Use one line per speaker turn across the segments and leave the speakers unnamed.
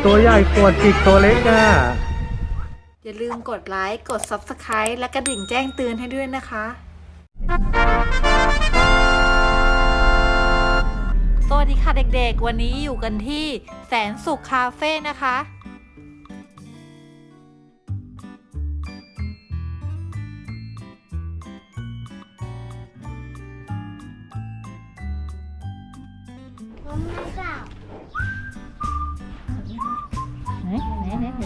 ตัวใหญ่ปวดจิกตัวเล็กอ่ะ
อย่าลืมกดไลค์ กด Subscribe และกระดิ่งแจ้งเตือนให้ด้วยนะคะ สวัสดีค่ะเด็กๆ วันนี้อยู่กันที่แสนสุขคาเฟ่นะคะไหนเห็นไหมคะ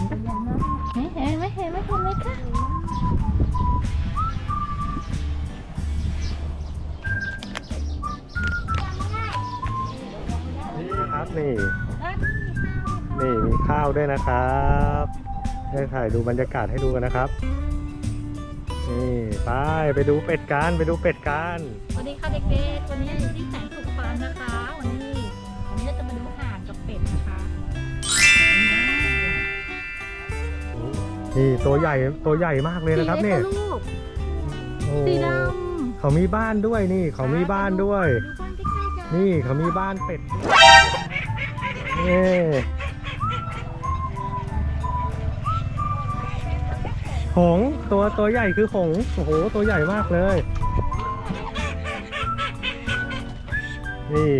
นี่นะครับนี่มีข้าวด้วยนะครับให้ถ่ายดูบรรยากาศให้ดูกันนะครับนี่ไปดูเป็ดกันไปดูเป็ดกัน
สวัสดีค่ะเด็กๆวันนี้อยู่ที่แสนสุขฟาร์มนะคะวันนี้เราจะมาดูห่านกับเป็ดนะคะ
นี่ตัวใหญ่มากเลยนะครับเนี่ยสีดำเขามีบ้านด้วยนี่เขามีบ้านด้วยนี่เขามีบ้านเป็ดนี่หงส์ตัวใหญ่คือหงส์โอ้โหตัวใหญ่มากเลยนี่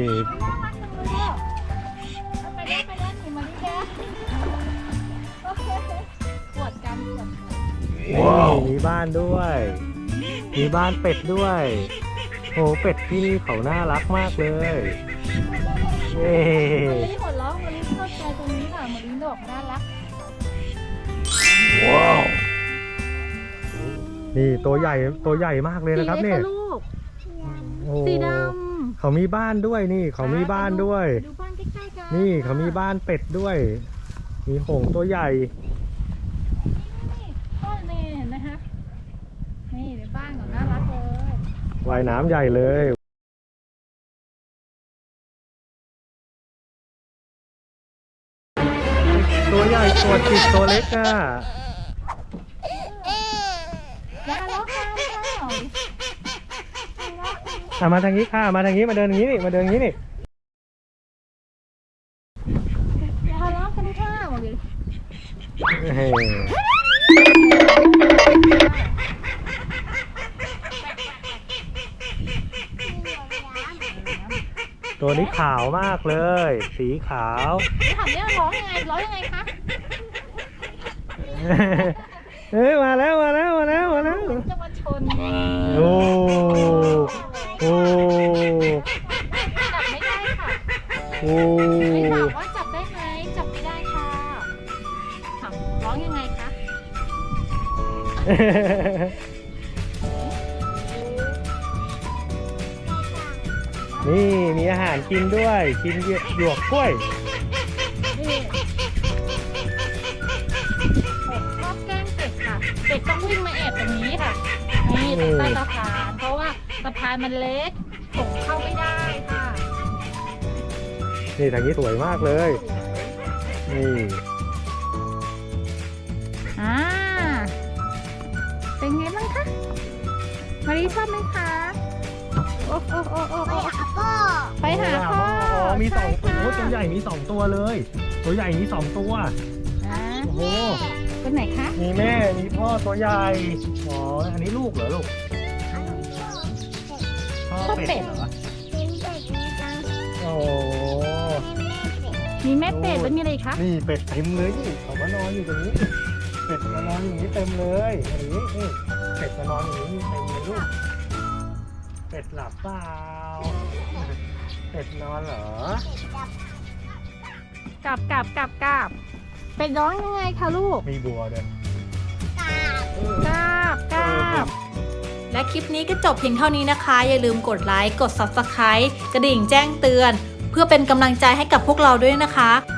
ว้าวมีบ้านด้วยมีบ้านเป็ดด้วยโอ้เป็ดที่นี่เขาน่ารักมากเลยเย้
มะลิหัวเราะมะลิชอบใจตรงนี้ค่ะมะลิดอกน่ารัก
ว้าวนี่ตัวใหญ่มากเลยนะครับเนี่ย
สีด
ำเขามีบ้านด้วยนี่เขามีบ้านด้วย
ดูบ้านใกล้ๆกัน
นี่เขามีบ้านเป็ดด้วยมีหงส์ตัวใหญ่
บ้านนี่เห็นไหมคะนี่เป็นบ้านของน่ารักเลย
ว่ายน้ำใหญ่เลยตัวใหญ่ตัวจิกตัวเล็กอ่ะมาทางนี้ค่ะมาทางนี้มาเดินอย่างนี้นี่มาเดินอย่างนี้นี่
อย่าทะเลาะกันค่ะบอกเลย
ตัวนี้ขาวมากเลยสีขาว
ถามเนี่ยร้องยังไงคะ
มาแล้ว
จะมาชน
โอ้
จับไม่ได้ค่ะ
โอ้
ไม่ถามว่าจับได้ไหมจับไม่ได้ค่ะถามร้องยังไงคะ
นี่มีอาหารกินด้วยกินหยวกกล้วย
ชอบแกล้งเป็ดค่ะเป็ดต้องวิ่งมาแอบตรงนี้ค่ะนี่ตรงใต้สะพานเพราะว่าสะพานมันเล็กผมเข้าไม่ได้ค่ะ
นี่ทางนี้สวยมากเลยนี่
เป็นไงบ้างคะมารีชอบไหมคะโอ้ไปหาพ่อ
มี2ตัวตัวใหญ่มี2ตัวเลยตัวใหญ่มี2ตัวโอ้โห
ตัวไหนคะ
มีแม่มีพ่อตัวใหญ่อ๋ออันนี้ลูกเหรอลูกพ่อเป็ดเหรอโอ้
มีแม่เป็ดแล้วมีอะไรคะ
นี่เป็ดเต็มเลยนี่เขามานอนอยู่ตรงนี้เป็ดมานอนอย่างนี้เต็มเลยนี่เป็ดมานอนอย่างนี้เต็มเลยลูกเป็ดหลับเปล่าเป็ดนอนเหร
อกลับเป็ดร้องยังไงคะลูก
มีบัวด้วย
กราบและคลิปนี้ก็จบเพียงเท่านี้นะคะอย่าลืมกดไลค์กด Subscribe กระดิ่งแจ้งเตือนเพื่อเป็นกำลังใจให้กับพวกเราด้วยนะคะ